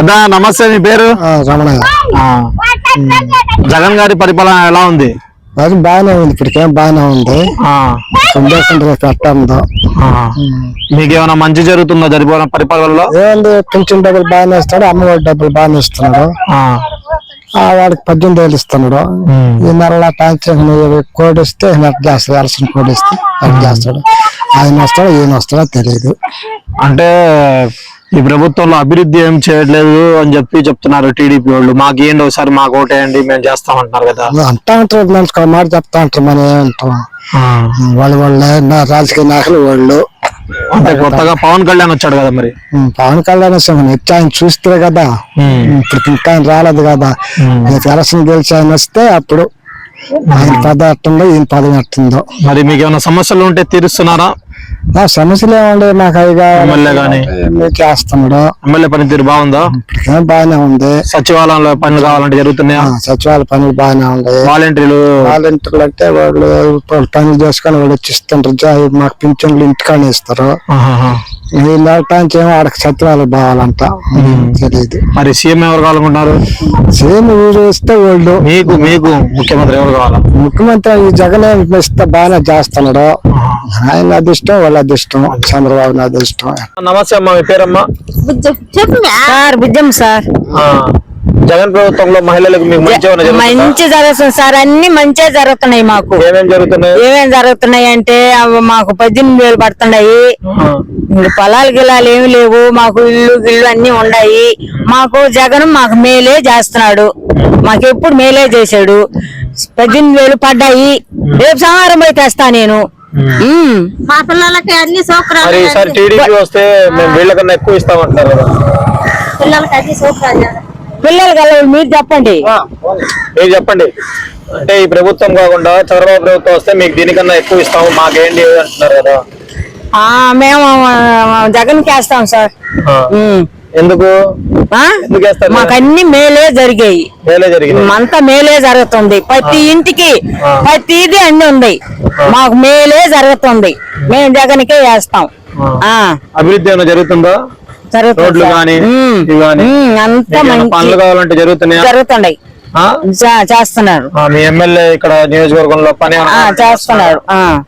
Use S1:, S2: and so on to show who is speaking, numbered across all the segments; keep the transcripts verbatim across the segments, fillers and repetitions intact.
S1: పెద్ద నమస్తే, మీ పేరు?
S2: రమణయ్య.
S1: జగన్ గారి పరిపాలన ఎలా ఉంది?
S2: అది బాగానే ఉంది, ఇప్పటికేం బాగానే ఉంది. పెట్టందో
S1: మీకేమైనా మంచి జరుగుతుందా జరిపే పరిపాలనలో?
S2: ఏంది, పింఛన్ డబ్బులు బాగానే ఇస్తాడు, అమ్మఒడి డబ్బులు బాగానే ఇస్తున్నాడు. వాడికి పద్దెనిమిది వేలు ఇస్తున్నాడు. ఈ నెల పెన్షన్ కోడి ఇస్తే చేస్తాడు, ఎలసిన కోడి ఇస్తే అది చేస్తాడు. ఆయన వస్తాడో ఈయన వస్తాడో తెలియదు.
S1: అంటే ఈ ప్రభుత్వంలో అభివృద్ధి ఏం చేయట్లేదు అని చెప్పి చెప్తున్నారు టీడీపీ వాళ్ళు. మాకు ఏంటి ఒకసారి మాకు ఓటేయండి మేము చేస్తామంటున్నారు కదా.
S2: అంటా ఉంటారు, మనిషి మాట చెప్తా ఉంటారు, మనం ఏమంటాం. వాళ్ళు వాళ్ళే రాజకీయ నాయకులు వాళ్ళు.
S1: అంటే కొత్తగా పవన్ కళ్యాణ్ వచ్చాడు కదా, మరి
S2: పవన్ కళ్యాణ్ వచ్చి ఆయన చూస్తే కదా, ఇప్పుడు ఇంకా ఆయన రాలేదు కదా. ఎలక్షన్ గెలిచి ఆయన వస్తే అప్పుడు ఆయన పదం ఎట్టుందో ఈయన పదం ఎట్టుందో.
S1: మరి మీకు ఏమైనా సమస్యలు ఉంటే తీరుస్తున్నారా?
S2: సమస్యలు ఏమండి, నాకు అవి చేస్తున్నాడు.
S1: ఎమ్మెల్యే పనితీరు బాగుందా?
S2: ఇప్పటికేం బాగానే ఉంది.
S1: సచివాలయంలో పనులు కావాలంటే జరుగుతున్నాయా?
S2: సచివాలయ పనులు బాగానే ఉన్నాయి.
S1: వాలంటీర్లు
S2: వాలంటీర్లు అంటే వాళ్ళు పనులు చేసుకొని వాళ్ళు వచ్చి ఇస్తుంటారు, మాకు పింఛన్లు ఇంటికానే ఇస్తారు. వీళ్ళటానికి ఏమో ఆడకి సచివాలయం బావాలంట, తెలియదు.
S1: మరి సీఎం ఎవరు కావాలనుకుంటున్నారు?
S2: సీఎం ఊరు ఇస్తే వాళ్ళు.
S1: మీకు మీకు ముఖ్యమంత్రి ఎవరు కావాలా?
S2: ముఖ్యమంత్రి ఈ జగన్ ఇస్తే బాగానే చేస్తున్నాడు. ఆయన అదృష్టం, వాళ్ళ అదృష్టం, చంద్రబాబు నాయుడు అదృష్టం.
S1: నమస్తే అమ్మా, మీ పేరమ్మా?
S3: Sir బుజ్జం sir.
S1: జగన్ ప్రభుత్వంలో మహిళలకు మీకు
S3: మంచి జరుగుతుంది సార్, అన్ని మంచిగా జరుగుతున్నాయి. మాకు
S1: ఏమేం జరుగుతున్నాయి?
S3: ఏమేం జరుగుతున్నాయి అంటే మాకు పద్దెనిమిది వేలు పడుతున్నాయి. పొలాలు గిలాలు ఏమి లేవు, మాకు ఇల్లు గిల్లు అన్ని ఉన్నాయి. మాకు జగన్ మాకు మేలే చేస్తున్నాడు, మాకు ఎప్పుడు మేలే చేశాడు. పద్దెనిమిది వేలు పడ్డాయి, రేపు సోమవారం పోయి తెస్తా నేను.
S4: మా పిల్లలకి అన్ని సౌకర్యాలు.
S1: ఈసారి టీడీపీ వస్తే మేము వీళ్ళకన్నా ఎక్కువ ఇస్తామంటారు కదా.
S4: పిల్లలకి అన్ని సౌకర్యాలు.
S3: పిల్లలు కల మీరు చెప్పండి,
S1: మీరు చెప్పండి. అంటే ఈ ప్రభుత్వం కాకుండా చంద్రబాబు ప్రభుత్వం వస్తే మీకు దీనికన్నా ఎక్కువ ఇస్తాము మాకేంటి అంటున్నారు కదా.
S3: మేము జగన్ కి వేస్తాం సార్.
S1: ఎందుకు?
S3: మాకు అన్ని మేలే జరిగాయి,
S1: మేలే జరిగింది,
S3: అంతా మేలే జరుగుతుంది. ప్రతి ఇంటికి ప్రతిది అన్ని ఉంది, మాకు మేలే జరుగుతుంది. మేము జగన్ కే వేస్తాం.
S1: అభివృద్ధి ఏమైనా జరుగుతుందా? రోడ్లు కానీ
S3: అంతా
S1: పనులు కావాలంటే జరుగుతున్నాయి
S3: జరుగుతున్నాయి చేస్తున్నారు.
S1: మీ ఎమ్మెల్యే ఇక్కడ నియోజకవర్గంలో పని
S3: చేస్తున్నారు.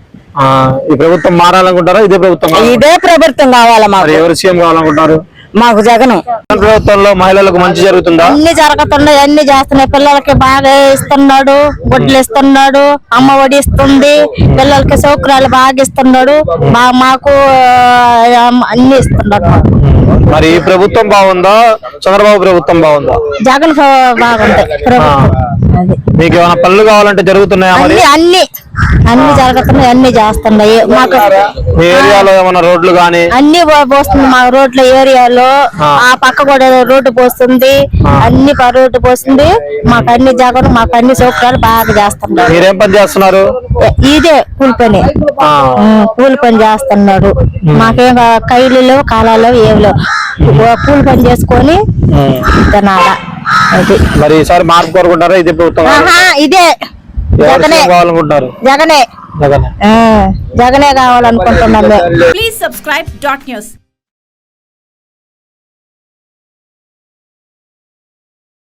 S1: ఈ ప్రభుత్వం మారాలనుకుంటారా? ఇదే ప్రభుత్వం
S3: ఇదే ప్రభుత్వం కావాలా మాకు?
S1: ఎవరు సీఎం కావాలనుకుంటారు?
S3: మాకు జగన్.
S1: ప్రభుత్వంలో మహిళలకు మంచి జరుగుతుందా?
S4: అన్ని జరుగుతున్నాయి, అన్ని చేస్తున్నాయి. పిల్లలకి బాగా ఇస్తున్నాడు, గుడ్లు ఇస్తున్నాడు, అమ్మ ఒడి ఇస్తుంది, పిల్లలకి సౌకర్యాలు బాగా ఇస్తున్నాడు. మాకు అన్ని ఇస్తున్నాడు.
S1: మరి ఈ ప్రభుత్వం బాగుందా, చంద్రబాబు ప్రభుత్వం బాగుందా?
S4: జగన్ బాగుంది.
S1: మీకు ఏమైనా పనులు కావాలంటే జరుగుతున్నాయా? మరి
S4: అన్ని అన్ని జరుగుతున్నాయి, అన్ని చేస్తున్నాయి. మాకు
S1: మీ ఏరియాలో ఏమైనా రోడ్లు కానీ
S4: అన్ని పోస్తుంది. మా రోడ్ల ఏరియాలో ఆ పక్క కూడా రోడ్డు పోస్తుంది, అన్ని రోడ్డు పోస్తుంది. మాకు అన్ని జగన్ మాకు అన్ని సౌకర్యాలు బాగా చేస్తున్నారు.
S1: మీరేం పని చేస్తున్నారు?
S4: ఇదే కూలి పని, కూలి పని చేస్తున్నాడు. మాకేం కైలు లేవు, కాలాలు ఏమి లేవు, కూలి పని చేసుకొని తినాలా. అది
S1: మరి ఈసారి మార్పు కోరుకుంటారా? ఇదే ప్రభుత్వం
S4: ఇదే జగనే
S1: కావాలనుకుంటారు?
S4: జగనే
S1: జగనే
S4: జగనే కావాలనుకుంటున్నాను.
S5: Please subscribe dot news.